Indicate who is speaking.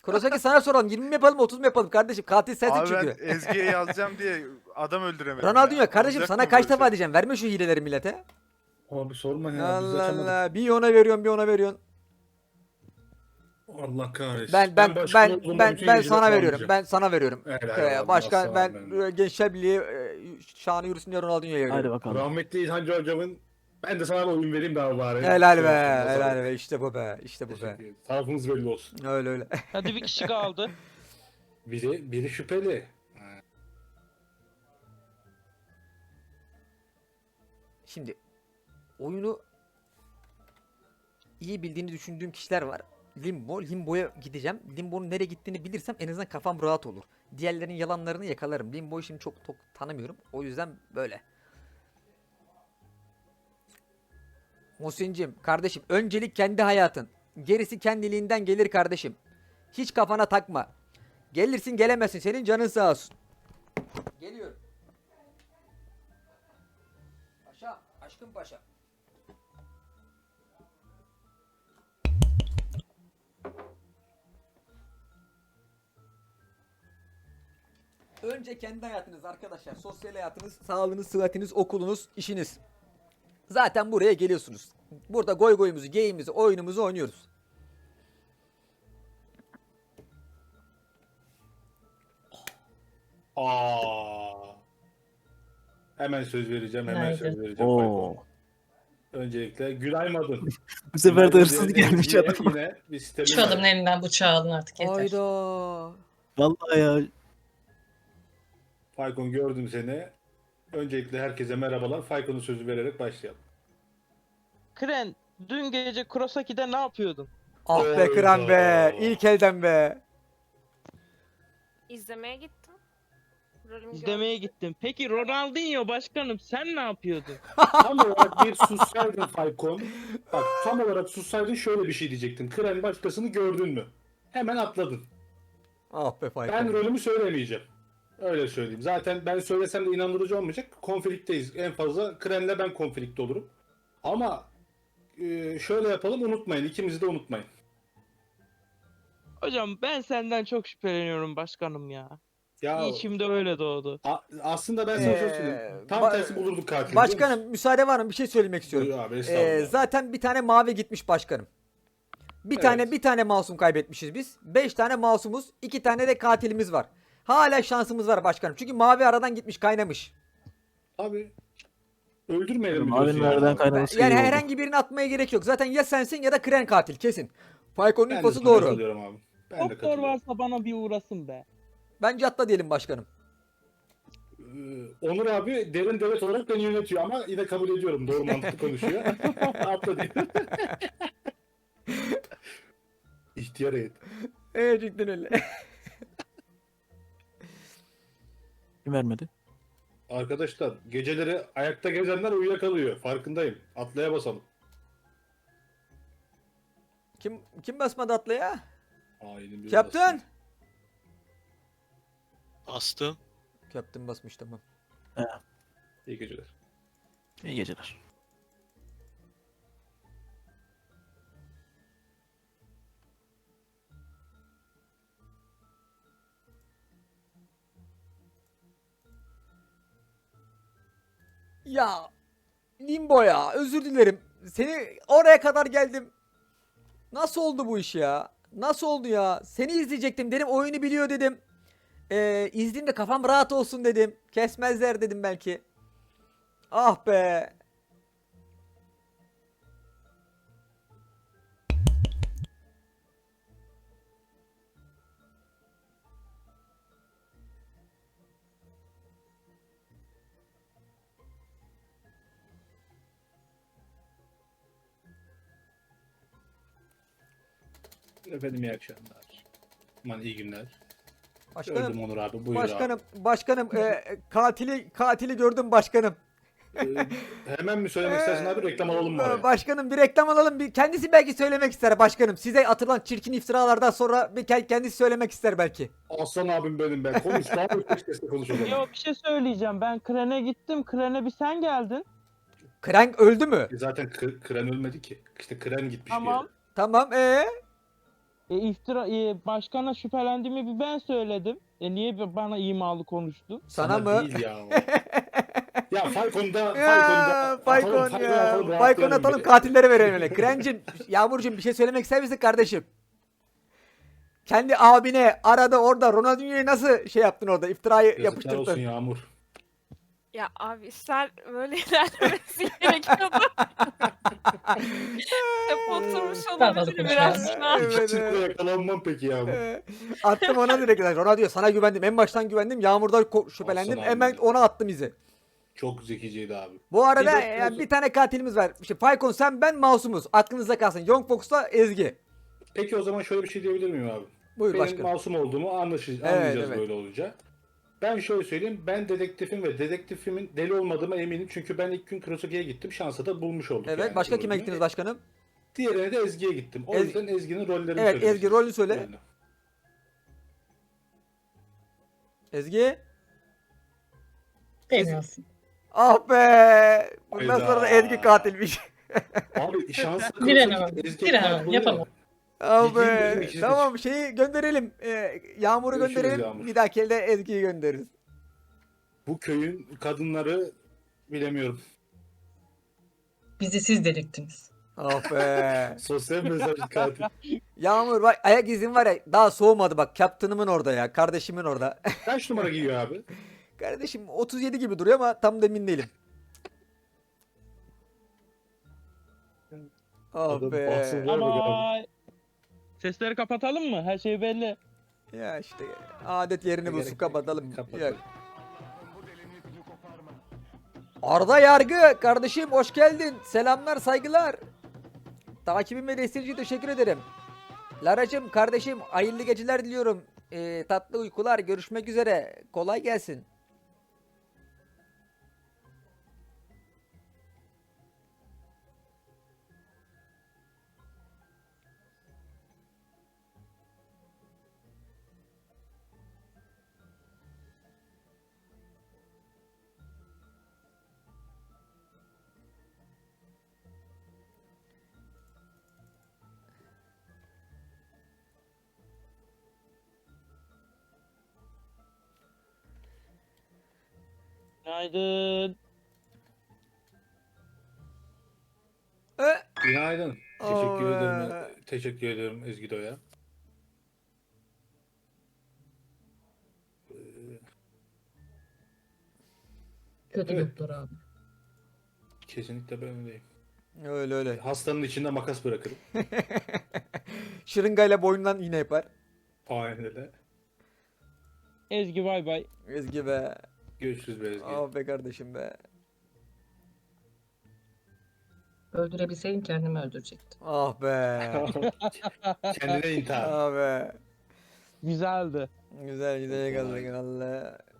Speaker 1: Kurosaki sana soralım. 20 mi yapalım 30 mu yapalım kardeşim? Katil sensin
Speaker 2: Abi ben
Speaker 1: çünkü.
Speaker 2: Ezgi'ye yazacağım diye adam öldüremedim
Speaker 1: Ronaldinho
Speaker 2: ya.
Speaker 1: kardeşim
Speaker 2: Olacak
Speaker 1: sana
Speaker 2: mı
Speaker 1: kaç
Speaker 2: böyle
Speaker 1: defa
Speaker 2: şey?
Speaker 1: diyeceğim. Verme şu hileleri millete.
Speaker 3: Abi sorma ya biz
Speaker 1: Allah
Speaker 3: açamadık.
Speaker 1: Allah. Bir ona veriyorsun bir ona veriyorsun.
Speaker 3: Allah kahretsin.
Speaker 1: Ben ben
Speaker 3: başkan
Speaker 1: ben
Speaker 3: olduğumda
Speaker 1: ben
Speaker 3: bütün
Speaker 1: ben
Speaker 3: geceleri
Speaker 1: sana veriyorum.
Speaker 3: puanlayacağım.
Speaker 1: Ben sana veriyorum.
Speaker 3: Helal abi,
Speaker 1: Başkan
Speaker 3: aslan
Speaker 1: ben
Speaker 3: benim.
Speaker 1: Gençler Birliği şanı yürüsün diye Ronaldinho'ya
Speaker 4: Hadi
Speaker 1: veriyorum.
Speaker 4: bakalım.
Speaker 3: Rahmetli İlhancı hocamın ben de sana bir oyun vereyim daha bari.
Speaker 1: Helal
Speaker 3: Şey
Speaker 1: be.
Speaker 3: yapsın,
Speaker 1: Helal
Speaker 3: masal.
Speaker 1: be. İşte bu be. İşte bu be.
Speaker 3: Teşekkür ederim. Tarafımız belli olsun.
Speaker 1: Öyle öyle.
Speaker 5: Hadi bir kişi kaldı.
Speaker 3: Biri şüpheli.
Speaker 1: Şimdi oyunu iyi bildiğini düşündüğüm kişiler var. Limbo'ya gideceğim. Limbo'nun nereye gittiğini bilirsem en azından kafam rahat olur. Diğerlerinin yalanlarını yakalarım. Limbo'yu şimdi çok tanımıyorum. O yüzden böyle. Muhsin'cim kardeşim öncelik kendi hayatın. Gerisi kendiliğinden gelir kardeşim. Hiç kafana takma. Gelirsin gelemezsin. Senin canın sağ olsun. Geliyorum. Paşa, aşkım paşa. Önce kendi hayatınız arkadaşlar. Sosyal hayatınız, sağlığınız, sıhhatiniz, okulunuz, işiniz. Zaten buraya geliyorsunuz. Burada goy goyumuzu, geyimizi, oyunumuzu oynuyoruz.
Speaker 3: Aa. Hemen söz vereceğim. Hemen söz
Speaker 5: Günaydın.
Speaker 3: vereceğim.
Speaker 4: Oo.
Speaker 3: Öncelikle Gülay Madun.
Speaker 4: Bu sefer de
Speaker 3: Gülay
Speaker 4: hırsız
Speaker 3: Madun'un
Speaker 4: gelmiş
Speaker 3: Ezgi'ye
Speaker 4: adam.
Speaker 3: Yine bir sistemi
Speaker 6: Şu adamın
Speaker 3: var.
Speaker 6: elinden bıçağı alın artık yeter.
Speaker 1: Hayda.
Speaker 4: Vallahi ya.
Speaker 3: Faykon gördüm seni. Öncelikle herkese merhabalar. Faykon'un sözü vererek başlayalım.
Speaker 5: Kren, dün gece Kurosaki'de ne yapıyordun?
Speaker 1: Ah be kıran be.
Speaker 3: Hayda.
Speaker 1: İlk elden be.
Speaker 7: İzlemeye gittim. Rolümü
Speaker 5: İzlemeye
Speaker 7: gördüm.
Speaker 5: gittim. Peki Ronaldinho başkanım sen ne yapıyordun?
Speaker 3: Tam olarak bir sussaydın Faykon. Bak tam olarak sussaydın şöyle bir şey diyecektin. Kren başkasını gördün mü? Hemen atladın.
Speaker 1: Ah be Faykon.
Speaker 3: Ben rolümü söylemeyeceğim. Öyle söyleyeyim. Zaten ben söylesem de inandırıcı olmayacak. Konflikteyiz. En fazla Kren'le ben konflikte olurum. Ama şöyle yapalım unutmayın. İkimizi de unutmayın.
Speaker 5: Hocam ben senden çok şüpheleniyorum başkanım ya.
Speaker 3: Ya
Speaker 5: İçimde öyle doğdu.
Speaker 3: aslında ben sana şöyle söyleyeyim. Tam
Speaker 1: ba-
Speaker 3: tersi bulurduk katili.
Speaker 1: Başkanım müsaade var mı? Bir şey söylemek istiyorum.
Speaker 3: Buyur abi, estağfurullah.
Speaker 1: Zaten bir tane mavi gitmiş başkanım.
Speaker 3: Evet.
Speaker 1: Bir tane masum kaybetmişiz biz. 5 tane masumuz, 2 tane de katilimiz var. Hala şansımız var başkanım. Çünkü mavi aradan gitmiş, kaynamış.
Speaker 3: Abi öldürmeyelim mi
Speaker 4: Abinin
Speaker 3: diyorsun ya?
Speaker 4: nereden kaynaması
Speaker 1: Yani
Speaker 4: iyi oldu.
Speaker 1: herhangi birini atmaya gerek yok. Zaten ya sensin ya da Kren katil kesin. Faykon'un
Speaker 3: Ben de
Speaker 1: infosu
Speaker 3: sana
Speaker 1: doğru.
Speaker 3: katılıyorum abi. Ben de
Speaker 5: Doktor
Speaker 3: katılıyorum.
Speaker 5: varsa bana bir uğrasın be.
Speaker 1: Bence atla diyelim başkanım.
Speaker 3: Onur abi derin devlet olarak beni yönetiyor ama yine kabul ediyorum. Doğru mantıklı konuşuyor. Atla diyor. İhtiyar heyet.
Speaker 1: Evet cidden öyle.
Speaker 4: Kim vermedi?
Speaker 3: Arkadaşlar geceleri ayakta gezenler uyuyakalıyor. Farkındayım. Atlaya basalım.
Speaker 1: Kim basmadı atlaya?
Speaker 3: Aynen bir
Speaker 1: Kaptan.
Speaker 8: Bastım.
Speaker 1: Kaptan basmış tamam.
Speaker 3: İyi geceler.
Speaker 4: İyi geceler.
Speaker 1: Ya Limbo ya özür dilerim. Seni oraya kadar geldim. Nasıl oldu bu iş ya? Nasıl oldu ya? Seni izleyecektim dedim oyunu biliyor dedim. İzleyeyim de kafam rahat olsun dedim. Kesmezler dedim belki. Ah be.
Speaker 3: Efendim iyi akşamlar. Aman iyi günler.
Speaker 1: Başkanım,
Speaker 3: Gördüm Onur abi. Buyur
Speaker 1: başkanım katili gördüm başkanım.
Speaker 3: abi. Hemen mi söylemek istersin abi? Reklam alalım mı araya?
Speaker 1: Başkanım bir reklam alalım. Kendisi belki söylemek ister başkanım. Size atılan çirkin iftiralardan sonra kendisi söylemek ister belki.
Speaker 3: Aslan abim benim ben. Konuş. Daha yüksek sesle konuş o zaman.
Speaker 5: Yo bir şey söyleyeceğim. Ben Kren'e gittim. Kren'e bir sen geldin.
Speaker 1: Krank öldü mü?
Speaker 3: Zaten Kren ölmedi ki. İşte Kren gitmiş bir
Speaker 5: Tamam.
Speaker 3: yere.
Speaker 1: Tamam
Speaker 5: Başkana şüphelendiğimi bir ben söyledim. Niye bana imalı konuştun?
Speaker 1: Sana mı?
Speaker 3: Değil ya. Ya Falcon'da
Speaker 1: Ya Faykon ya. Faykon atalım, katilleri verelim öyle. Krencim, Yağmurcuğum bir şey söylemek ister misin kardeşim? Kendi abine arada orada Ronaldinho'yu nasıl şey yaptın orada, iftirayı
Speaker 3: Yazıklar olsun
Speaker 1: yapıştırdın.
Speaker 3: Yağmur.
Speaker 7: Ya abi işler böyle ilerlemesi gerekiyordu. Hep oturmuş olabilir biraz şu an.
Speaker 1: Evet,
Speaker 3: Kesinlikle
Speaker 1: evet.
Speaker 3: yakalanmam peki Yağmur.
Speaker 1: Attım ona direkt. Ronaldo sana güvendim. En baştan güvendim. Yağmur'da şüphelendim.
Speaker 3: Aslan abi
Speaker 1: Hemen
Speaker 3: ya.
Speaker 1: ona attım izi.
Speaker 3: Çok zekiceydi abi.
Speaker 1: Bu arada
Speaker 3: Bir de-
Speaker 1: yani bir tane katilimiz var. İşte Faykon, sen, ben, Masumuz. Aklınızda kalsın. Young Fox'la Ezgi.
Speaker 3: Peki o zaman şöyle bir şey diyebilir miyim abi?
Speaker 1: Buyur
Speaker 3: Benim
Speaker 1: başkanım.
Speaker 3: masum olduğumu
Speaker 1: Evet,
Speaker 3: anlayacağız
Speaker 1: evet.
Speaker 3: böyle olunca. Ben şöyle söyleyeyim. Ben dedektifim ve dedektifimin deli olmadığıma eminim. Çünkü ben ilk gün Kurosaki'ye gittim. Şansa da bulmuş olduk.
Speaker 1: Evet.
Speaker 3: yani
Speaker 1: Başka
Speaker 3: bu
Speaker 1: kime
Speaker 3: rolünü.
Speaker 1: gittiniz başkanım?
Speaker 3: Diğerine de Ezgi'ye gittim. O
Speaker 1: Ez-
Speaker 3: yüzden Ezgi'nin rollerini
Speaker 1: Evet,
Speaker 3: söylemek
Speaker 1: Ezgi rolünü söyle.
Speaker 3: Yani.
Speaker 1: Ezgi.
Speaker 6: Bilmiyorsun.
Speaker 1: Ah be. Bundan
Speaker 3: Hayda.
Speaker 1: sonra da Ezgi katilmiş.
Speaker 3: Abi şanslı
Speaker 6: Direnemem.
Speaker 3: Ezgi
Speaker 6: Direnemem.
Speaker 3: katil
Speaker 6: Yapamam.
Speaker 3: oluyor.
Speaker 1: Ah
Speaker 3: Bildiğin bizim
Speaker 1: be.
Speaker 3: ikisi
Speaker 1: Tamam, şeyi gönderelim. Yağmur'u
Speaker 3: Görüşürüz
Speaker 1: gönderelim.
Speaker 3: Yağmur.
Speaker 1: Bir dahaki elde Ezgi'yi göndeririz.
Speaker 3: Bu köyün kadınları bilemiyorum.
Speaker 6: Bizi siz deliktiniz.
Speaker 1: Ah be.
Speaker 3: Sosyal mesaj katil.
Speaker 1: Yağmur bak, ayak izin var ya, daha soğumadı bak. Captain'ımın orada ya. Kardeşimin orada.
Speaker 3: Kaç numara giyiyor abi?
Speaker 1: Kardeşim 37 gibi duruyor ama tam da emin değilim. Ah
Speaker 3: Adam
Speaker 1: be.
Speaker 3: bahsediyor. Ver bakalım.
Speaker 5: Ama sesleri kapatalım mı? Her şey belli.
Speaker 1: Ya işte adet yerini bulsun,
Speaker 3: Gerek-
Speaker 1: kapatalım.
Speaker 3: kapatalım.
Speaker 1: Ya. Arda Yargı kardeşim, hoş geldin. Selamlar, saygılar. Takibim ve desteğin için teşekkür ederim. Laracım kardeşim, hayırlı geceler diliyorum. Tatlı uykular, görüşmek üzere. Kolay gelsin.
Speaker 5: Günaydın.
Speaker 3: Günaydın. Teşekkür
Speaker 1: Aa.
Speaker 3: ederim. Teşekkür ederim Ezgi Doya.
Speaker 6: Kötü
Speaker 3: Evet.
Speaker 6: doktor abi.
Speaker 3: Kesinlikle ben öyleyim.
Speaker 1: Öyle öyle.
Speaker 3: Hastanın içinde makas bırakırım.
Speaker 1: Şırıngayla boynundan iğne yapar.
Speaker 3: Aynen öyle.
Speaker 5: Ezgi bay bay.
Speaker 1: Ezgi be.
Speaker 3: Görüşürüz be Ezgi.
Speaker 1: Ah be kardeşim be.
Speaker 6: Öldürebilseydim kendimi öldürecektim.
Speaker 1: Ah be.
Speaker 3: Kendine intihar.
Speaker 1: Ah be.
Speaker 5: Güzeldi.
Speaker 1: Güzel güzel yakaladık valla.